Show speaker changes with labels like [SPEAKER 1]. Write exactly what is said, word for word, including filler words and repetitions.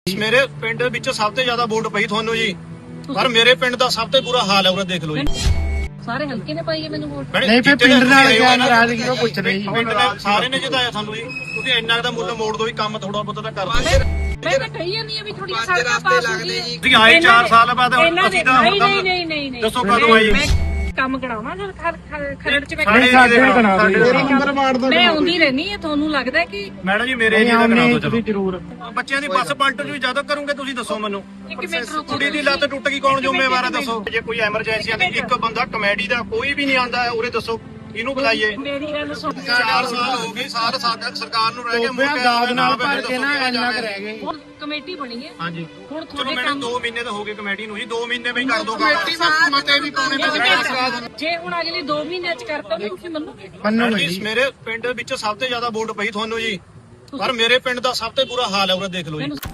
[SPEAKER 1] ਮੇਰੇ ਪਿੰਡ ਵਿੱਚ ਸਭ ਤੋਂ ਜ਼ਿਆਦਾ ਵੋਟ ਪਈ ਤੁਹਾਨੂੰ ਜੀ, ਪਰ ਮੇਰੇ ਪਿੰਡ ਦਾ ਸਭ ਤੋਂ ਬੁਰਾ ਹਾਲ ਹੈ ਉਹਦਾ ਦੇਖ ਲਓ ਜੀ।
[SPEAKER 2] ਸਾਰੇ ਹਲਕੇ ਨੇ ਪਾਈ ਹੈ ਮੈਨੂੰ ਵੋਟ।
[SPEAKER 1] ਨਹੀਂ ਫਿਰ ਪਿੰਡ ਨਾਲ ਕਿਆ ਨਾਰਾਜ਼ਗੀ ਉਹ ਪੁੱਛ ਰਹੀ ਜੀ। ਪਿੰਡ ਨੇ ਸਾਰੇ ਨੇ ਜਿਤਾਇਆ ਤੁਹਾਨੂੰ ਜੀ, ਤੁਸੀਂ ਇੰਨਾ ਦਾ ਮੁੱਲ ਮੋੜ ਦੋ ਵੀ ਕੰਮ ਥੋੜਾ ਬਹੁਤਾ ਤਾਂ ਕਰ ਦਿਓ।
[SPEAKER 2] ਮੈਂ ਤਾਂ ਕਹੀ ਜਾਂਦੀ ਆ ਵੀ ਥੋੜੀਆਂ ਸੜਕਾਂ ਪਾਸ ਹੋ ਗਈਆਂ।
[SPEAKER 1] ਤੁਸੀਂ ਆਏ ਚਾਰ ਸਾਲ ਬਾਅਦ ਅਸੀਂ ਤਾਂ
[SPEAKER 2] ਨਹੀਂ ਨਹੀਂ ਨਹੀਂ ਨਹੀਂ ਨਹੀਂ
[SPEAKER 1] ਦੱਸੋ ਕਦੋਂ ਆਏ?
[SPEAKER 2] ਕੰਮ ਕਰਾਉਣਾ ਜਦ ਖਰੜ ਚ
[SPEAKER 1] ਸਾਡੇ
[SPEAKER 2] ਮੈਂ ਆਉਂਦੀ ਰਹਿਣੀ ਹੈ। ਤੁਹਾਨੂੰ ਲੱਗਦਾ ਕਿ
[SPEAKER 1] ਮੈਡਮ ਜੀ ਮੇਰੇ ਏਰੀਆ ਦਾ ਕਰਾ ਦਿਓ ਚਲੋ ਜ਼ਰੂਰ। ਬੱਚਿਆਂ ਦੀ ਬੱਸ ਪਲਟ ਜੂ ਜਦੋਂ ਕਰੋਗੇ ਤੁਸੀਂ ਦੱਸੋ ਮੈਨੂੰ।
[SPEAKER 2] ਇੱਕ ਮਿੰਟ ਰੁਕੋ।
[SPEAKER 1] ਕੁੜੀ ਦੀ ਲੱਤ ਟੁੱਟ ਗਈ ਕੌਣ ਜ਼ਿੰਮੇਵਾਰ ਹੈ ਦੱਸੋ। ਜੇ ਕੋਈ ਐਮਰਜੈਂਸੀ ਆਂਦੀ ਇੱਕ ਬੰਦਾ ਕਮੇਡੀ ਦਾ ਕੋਈ ਵੀ ਨਹੀਂ ਆਂਦਾ ਉਰੇ ਦੱਸੋ ਇਹਨੂੰ ਬੁਲਾਈਏ।
[SPEAKER 2] ਮੇਰੀ ਗੱਲ ਸੁਣ।
[SPEAKER 1] ਚਾਰ ਸਾਲ ਹੋ ਗਏ ਸਾਰ ਸਾਡਾ ਸਰਕਾਰ ਨੂੰ ਰਹਿ ਕੇ ਮੁੱਕਿਆ ਦਾਦ ਨਾਲ ਭਰ ਕੇ ਨਾ ਇੰਨਾ ਕਰ ਰਹਿ ਗਏ।
[SPEAKER 2] ਹੁਣ ਕਮੇਟੀ ਬਣੀ ਹੈ।
[SPEAKER 1] ਹਾਂਜੀ
[SPEAKER 2] ਹੁਣ
[SPEAKER 1] ਚਲੋ
[SPEAKER 2] ਤੁਹਾਡੇ
[SPEAKER 1] ਮੈਨੂੰ
[SPEAKER 2] ਕੰਮ
[SPEAKER 1] ਦੋ ਮਹੀਨੇ ਤਾਂ ਹੋ ਗਏ ਕਮੇਟੀ ਨੂੰ ਜੀ, ਦੋ ਮਹੀਨੇ ਵਿੱਚ ਕਰ ਦੋ
[SPEAKER 3] ਕਮੇਟੀ ਦਾ ਮਤੇ ਵੀ ਪਾਉਣੇ ਪੈਂਦੇ।
[SPEAKER 2] ਜੇ ਹੁਣ ਅਗਲੇ ਦੋ ਮਹੀਨਿਆਂ ਚ ਕਰਤਾ ਤਾਂ ਤੁਸੀਂ ਮੰਨੋਗੇ?
[SPEAKER 1] ਮੰਨੋਗੇ। ਮੇਰੇ ਪਿੰਡ ਵਿੱਚ ਸਭ ਤੋਂ ਜ਼ਿਆਦਾ ਵੋਟ ਪਈ ਤੁਹਾਨੂੰ ਜੀ, ਪਰ ਮੇਰੇ ਪਿੰਡ ਦਾ ਸਭ ਤੋਂ ਬੁਰਾ ਹਾਲ ਹੈ ਉਹਦਾ ਦੇਖ ਲਓ ਜੀ।